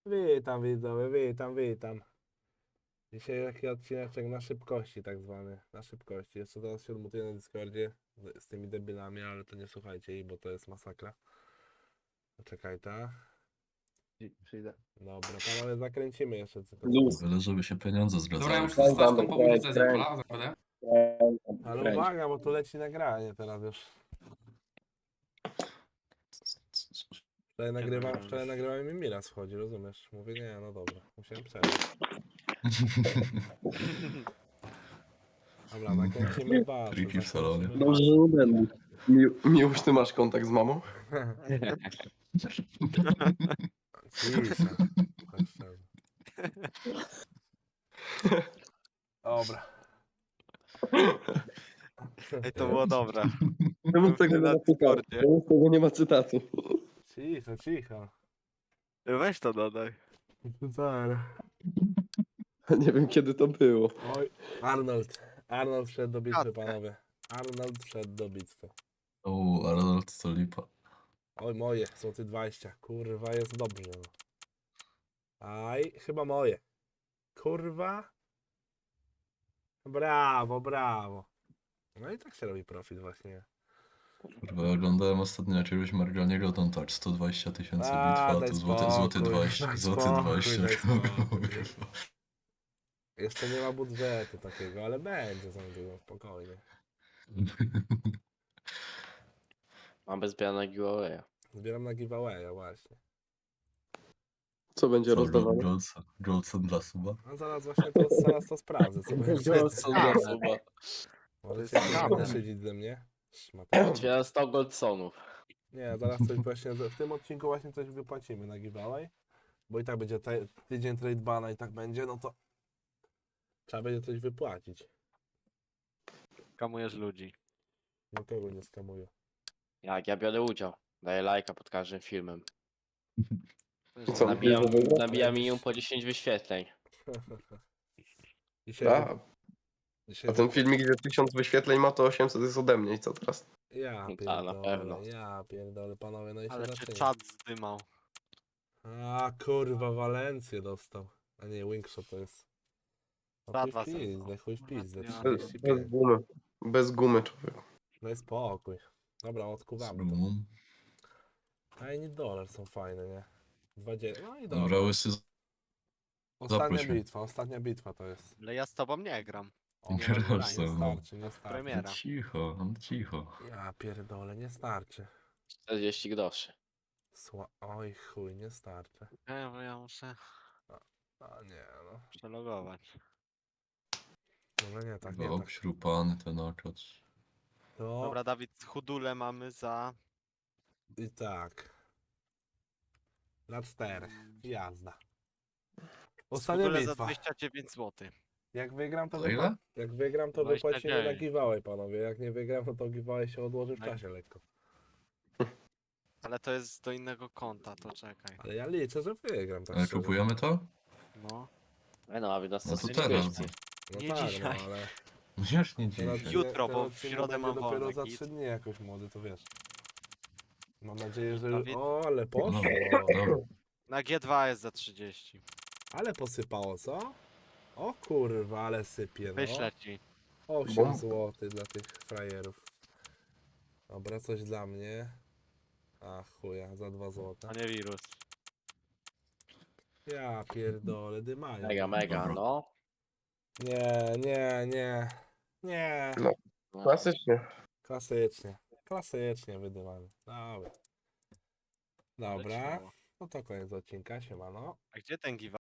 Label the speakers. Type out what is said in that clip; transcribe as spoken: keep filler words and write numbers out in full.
Speaker 1: Witam widzowie, witam, witam. Dzisiaj taki odcineczek na szybkości tak zwany, na szybkości. Jeszcze teraz się odmutuję na Discordzie z, z tymi debilami, ale to nie słuchajcie ich, bo to jest masakra. Czekaj, ta.
Speaker 2: Przyjdę.
Speaker 1: Dobra, panowie, zakręcimy jeszcze tylko
Speaker 2: Luz.
Speaker 1: coś.
Speaker 3: Byle, żeby się pieniądze
Speaker 4: Dobra, ja
Speaker 3: zgadzały.
Speaker 4: muszę
Speaker 2: Kręć,
Speaker 4: z Staszką
Speaker 2: Andrzej,
Speaker 4: po
Speaker 2: kręć,
Speaker 4: ulicy
Speaker 2: kręć.
Speaker 4: Zepola, naprawdę.
Speaker 1: Ale
Speaker 2: Kręć.
Speaker 1: uwaga, bo tu leci nagranie teraz już. Wczoraj nagrywam,
Speaker 4: nagrywamy?
Speaker 1: wczoraj nagrywałem i mi raz wchodzi, rozumiesz? Mówię, nie, no dobra, musiałem przerwać. Dobra, nakręcimy baszę,
Speaker 3: Triki w salonie.
Speaker 1: zakręcimy
Speaker 2: Dobrze,
Speaker 1: baszę.
Speaker 2: że będę. Mi, Miłość, ty masz kontakt z mamą?
Speaker 1: Cisza. Tak szczerze. Dobra.
Speaker 5: Ej, to było dobre.
Speaker 2: Czemu z tego nie
Speaker 5: Na
Speaker 2: ma cytatu?
Speaker 5: Discordzie.
Speaker 2: Czemu z tego nie ma cytatu?
Speaker 1: Cicho, cicho.
Speaker 5: Weź to dodaj.
Speaker 1: Zaraz.
Speaker 2: Nie wiem, kiedy to było.
Speaker 1: Oj, Arnold. Arnold wszedł do bitwy,
Speaker 5: Kackę.
Speaker 1: panowie. Arnold wszedł do bitwy.
Speaker 3: O, Arnold to lipa.
Speaker 1: Oj, moje, złoty dwadzieścia. Kurwa, jest dobrze. No. Aj, chyba moje. Kurwa. Brawo, brawo. No i tak się robi profit właśnie.
Speaker 3: Kurwa, oglądałem ostatnio jakiegoś Marganiego, to on tak sto dwadzieścia tysięcy
Speaker 1: A,
Speaker 3: bitwa, a
Speaker 1: daj
Speaker 3: tu złoty, złoty
Speaker 1: spokój,
Speaker 3: dwadzieścia,
Speaker 1: daj
Speaker 3: złoty
Speaker 1: spokój,
Speaker 3: dwadzieścia,
Speaker 1: daj spokój.
Speaker 3: kurwa.
Speaker 1: Jeszcze nie ma budżetu takiego, ale będzie za niedługo, spokojnie.
Speaker 5: Mam bez na giveawaya.
Speaker 1: Zbieram na giveawaya właśnie.
Speaker 2: Co będzie
Speaker 3: Co,
Speaker 2: rozdawane?
Speaker 3: Goldson, Goldson dla suba?
Speaker 1: A zaraz właśnie to, zaraz to sprawdzę, co będzie.
Speaker 2: Goldson dla
Speaker 5: suba.
Speaker 1: Możecie się
Speaker 5: skamer.
Speaker 1: naszydzić ze mnie? Szmata.
Speaker 5: Otwieram sto goldsonów.
Speaker 1: Nie, zaraz coś właśnie, w tym odcinku właśnie coś wypłacimy na giveaway. Bo i tak będzie te, tydzień trade bana i tak będzie, no to trzeba będzie coś wypłacić.
Speaker 5: Kamujesz ludzi.
Speaker 1: No kogo nie skamuję.
Speaker 5: Jak ja biorę udział. Daję lajka pod każdym filmem.
Speaker 2: Co,
Speaker 5: Nabijam,
Speaker 2: bierze wygrać?
Speaker 5: nabijam minimum po dziesięć wyświetleń.
Speaker 1: Dzisiaj,
Speaker 2: A,
Speaker 1: dzisiaj
Speaker 2: a ten filmik, gdzie tysiąc wyświetleń ma, to osiemset jest ode mnie i co teraz?
Speaker 1: Ja
Speaker 5: A, na
Speaker 1: pierdolę,
Speaker 5: pewno.
Speaker 1: ja pierdolę, panowie, no i się
Speaker 6: Ale cię
Speaker 1: zaczyna.
Speaker 6: czat zdymał.
Speaker 1: A kurwa, Walencję dostał. A nie, Wingshot to jest. No
Speaker 6: Dwa,
Speaker 1: chuj
Speaker 6: dwa
Speaker 1: w pizdę, chuj w pizdę,
Speaker 6: Ja.
Speaker 2: Bez,
Speaker 1: trzydzieści
Speaker 2: bez
Speaker 1: pięć.
Speaker 2: gumy. Bez gumy, człowiek.
Speaker 1: No i spokój. Dobra,
Speaker 3: Z
Speaker 1: odkuwamy to.
Speaker 3: gumą?
Speaker 1: A i nie dolar są fajne, nie? dwadzieścia. No i
Speaker 3: Dobra,
Speaker 1: dobra.
Speaker 3: łysy,
Speaker 1: Ostatnia
Speaker 3: zaproś mnie.
Speaker 1: bitwa, ostatnia bitwa to jest.
Speaker 6: Ale ja z tobą nie gram.
Speaker 1: O,
Speaker 3: Nie
Speaker 1: nie,
Speaker 3: grasz ze
Speaker 1: nie
Speaker 3: mną.
Speaker 1: starczy, nie starczy.
Speaker 6: Premiera.
Speaker 3: cicho, no cicho.
Speaker 1: Ja pierdolę, nie starczy.
Speaker 5: czterdzieści groszy.
Speaker 1: Sła... Oj chuj, nie starczy.
Speaker 6: Nie, bo ja muszę
Speaker 1: A nie no.
Speaker 6: przelogować.
Speaker 1: No nie, tak nie
Speaker 3: Chyba
Speaker 1: tak.
Speaker 3: obśrupany ten okaz.
Speaker 1: To
Speaker 6: Dobra, Dawid, chudule mamy za...
Speaker 1: i tak. Na cztery. Jazda. Ostatnia
Speaker 6: Chudule za
Speaker 1: bitwa.
Speaker 6: dwadzieścia dziewięć złotych.
Speaker 1: Jak wygram to
Speaker 3: Za ile?
Speaker 1: wypła... Jak wygram to
Speaker 6: dwadzieścia
Speaker 1: wypłacimy na
Speaker 6: dziewięć.
Speaker 1: giveaway, panowie. Jak nie wygram, no to giveaway się odłoży w
Speaker 6: Tak.
Speaker 1: czasie lekko.
Speaker 6: Ale to jest do innego konta, to czekaj.
Speaker 1: Ale ja liczę, że wygram tak
Speaker 3: Ale
Speaker 1: szczerze.
Speaker 3: kupujemy to?
Speaker 6: No.
Speaker 5: Ej no, a wy nas
Speaker 3: No to
Speaker 5: to
Speaker 3: teraz.
Speaker 1: No
Speaker 6: Nie
Speaker 1: tak,
Speaker 6: dzisiaj.
Speaker 1: no ale...
Speaker 3: No już nie
Speaker 1: Ten
Speaker 3: dzisiaj.
Speaker 1: odcinek-
Speaker 6: Jutro,
Speaker 1: ten
Speaker 6: bo w
Speaker 1: odcinek
Speaker 6: środę
Speaker 1: będzie
Speaker 6: mam
Speaker 1: dopiero
Speaker 6: wolne,
Speaker 1: za
Speaker 6: git.
Speaker 1: trzy dni jakoś młody, to wiesz. Mam nadzieję, że...
Speaker 6: Dawid?
Speaker 1: O, ale poszło.
Speaker 3: Dobra.
Speaker 6: Na G dwa jest za trzydzieści.
Speaker 1: Ale posypało, co? O kurwa, ale sypie, no.
Speaker 6: Wyślę ci.
Speaker 1: osiem
Speaker 2: Bum.
Speaker 1: złotych dla tych frajerów. Dobra, coś dla mnie. A chuja, za dwa złote.
Speaker 6: A nie wirus.
Speaker 1: Ja pierdolę, dymają.
Speaker 5: Mega, mega,
Speaker 3: Dobra.
Speaker 5: no.
Speaker 1: Nie, nie, nie. Nie.
Speaker 2: Klasycznie.
Speaker 1: Klasycznie. Klasycznie wydymamy. Dobra. Dobra.
Speaker 6: Leciało.
Speaker 1: No to koniec odcinka, siemano.
Speaker 6: A gdzie ten giveaway?